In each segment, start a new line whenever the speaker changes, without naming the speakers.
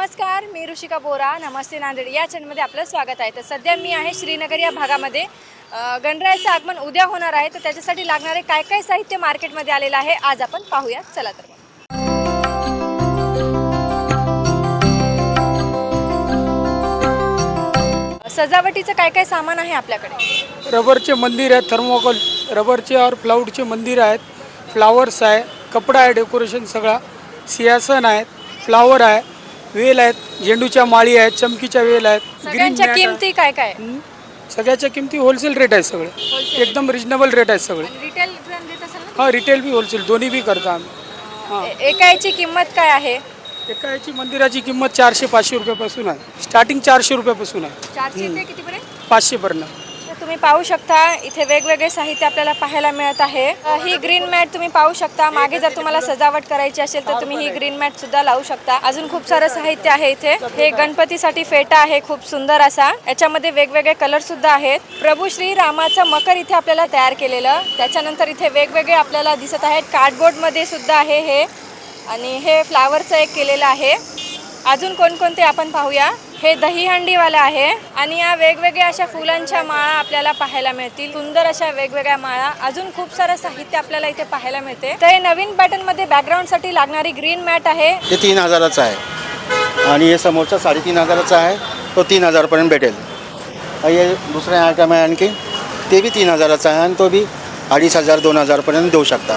नमस्कार, मी ऋषिका बोरा. नमस्ते नांदेड या चॅनलमध्ये आपलं स्वागत आहे. तर सध्या मी आहे श्रीनगर या भागामध्ये. गणरायाचं आगमन उद्या होणार आहे, तर त्याच्यासाठी लागणारे काय काय साहित्य मार्केटमध्ये आलेलं आहे आज आपण पाहूयात. चला तर सजावटीचं काय काय सामान आहे आपल्याकडे.
रबरचे मंदिर आहेत, थर्मोकोल रबरचे और प्लाऊडचे मंदिर आहेत, फ्लावर्स आहे, कपडा आहे, डेकोरेशन सगळा, सिंहासन आहेत, फ्लावर आहे, वेल आहेत, झेंडूच्या माळी आहेत, चमकीच्या वेल आहेत.
सगळ्यांच्या
मॅट
किमती काय काय.
सगळ्याच्या किमती होलसेल रेट आहेत, सगळे एकदम रिजनेबल रेट आहेत सगळे.
रिटेल देत असेल ना.
हां, रिटेल बी होलसेल दोन्ही बी करतो आम्ही.
एका याची किंमत काय आहे.
एका याची मंदिराची किंमत 400-500 रुपयापासून आहे. स्टार्टिंग 400 रुपयापासून आहे,
400 ते कितीपर्यंत.
500पर्यंत.
तुम्ही पाहू शकता इथे वेगवेगळे साहित्य आपल्याला पाहायला मिळत आहे. ही ग्रीन मॅट तुम्ही पाहू शकता. मागे जर तुम्हाला सजावट करायची असेल तर तुम्ही ही ग्रीन मॅट सुद्धा लावू शकता. अजून खूप सारं साहित्य आहे इथे. हे गणपतीसाठी फेटा आहे खूप सुंदर असा. याच्यामध्ये वेगवेगळे कलर सुद्धा आहेत. प्रभू श्री रामाचं मकर इथे आपल्याला तयार केलेलं. त्याच्यानंतर इथे वेगवेगळे आपल्याला दिसत आहेत. कार्डबोर्ड मध्ये सुद्धा आहे हे, आणि हे फ्लावरचं एक केलेलं आहे. अजून कोणकोणते आपण पाहूया. हे दहीहंडीवाला आहे, आणि या वेगवेगळ्या अशा फुलांच्या माळा आपल्याला पाहायला मिळतील. सुंदर अशा वेगवेगळ्या माळा, अजून खूप सारं साहित्य आपल्याला इथे पाहायला मिळते. तर हे नवीन पॅटर्न मध्ये बॅकग्राऊंड साठी लागणारी ग्रीन मॅट आहे.
हे 3000चा आहे, आणि हे समोरचा 3500चा आहे, तो 3000 पर्यंत भेटेल. हे दुसरे आयटम आहे आणखी, ते बी 3000चा आहे, आणि तो बी 2500-2000 पर्यंत देऊ शकता.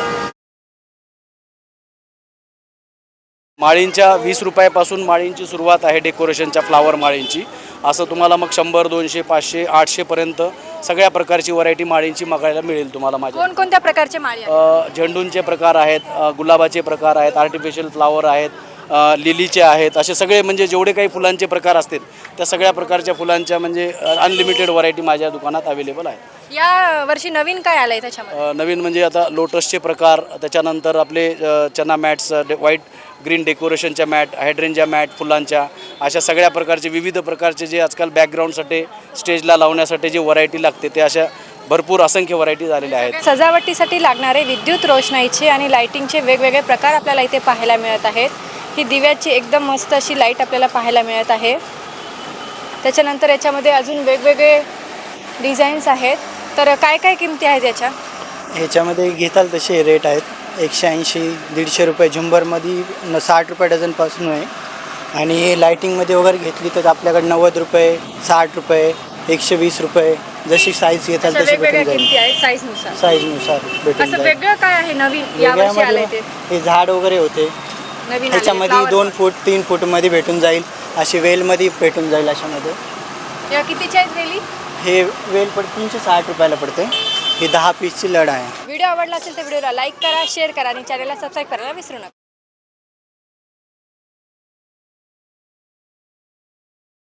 माळींच्या 20 रुपयापासून माळींची सुरुवात आहे, डेकोरेशनच्या फ्लावर माळींची. असं तुम्हाला मग 100, 200, 500, 800 पर्यंत सगळ्या प्रकारची व्हरायटी माळींची बघायला मिळेल तुम्हाला. माझ्या
कोणकोणत्या प्रकारचे माळी आहेत.
झेंडूंचे प्रकार आहेत, गुलाबाचे प्रकार आहेत, आर्टिफिशियल फ्लावर आहेत, लिलीचे आहेत. असे सगळे म्हणजे जेवढे काही फुलांचे प्रकार असतील त्या सगळ्या प्रकारच्या फुलांच्या म्हणजे अनलिमिटेड व्हरायटी माझ्या दुकानात अवेलेबल आहे.
या वर्षी नवीन काय आलंय त्याच्यामध्ये.
नवीन म्हणजे आता लोटसचे प्रकार, त्याच्यानंतर आपले चना मॅट्स, व्हाईट ग्रीन डेकोरेशनच्या मॅट, हायड्रेनच्या मॅट फुलांच्या, अशा सगळ्या प्रकारचे विविध प्रकारचे जे आजकाल बॅकग्राऊंडसाठी स्टेजला लावण्यासाठी जे व्हरायटी लागते ते अशा भरपूर असंख्य व्हरायटी झालेल्या आहेत.
सजावटीसाठी लागणारे विद्युत रोषणाईचे आणि लाइटिंगचे वेगवेगळे प्रकार आपल्याला इथे पाहायला मिळत आहेत. ही दिव्याची एकदम मस्त अशी लाईट आपल्याला पाहायला मिळत आहे. त्याच्यानंतर याच्यामध्ये अजून वेगवेगळे डिझाईन्स आहेत. तर काय काय किमती आहेत याच्या.
ह्याच्यामध्ये घेताल तसे रेट आहेत. 180-150 रुपये झुंबरमध्ये 60 रुपये डझनपासून आहे, आणि लाईटिंगमध्ये वगैरे घेतली तर आपल्याकडे 90 रुपये, 60 रुपये, 120 रुपये, जशी साईज घेताल तशी भेटून जाईल. साईजनुसार भेटून जाईल.
वेगळं काय आहे नवीन यावर्षी आलंय ते.
हे झाड वगैरे होते
नवीन
ह्याच्यामध्ये 2 फूट 3 फूटमध्ये भेटून जाईल. अशी वेलमध्ये भेटून जाईल. अशामध्ये
या कितीच्या आहेत वेली.
हे वेल 360 रुपयाला पडते. ही 10 पीसची लढ आहे.
व्हिडिओ आवडला असेल तर व्हिडिओला लाईक करा, शेअर करा, आणि चॅनलला सबस्क्राईब करायला विसरू नका.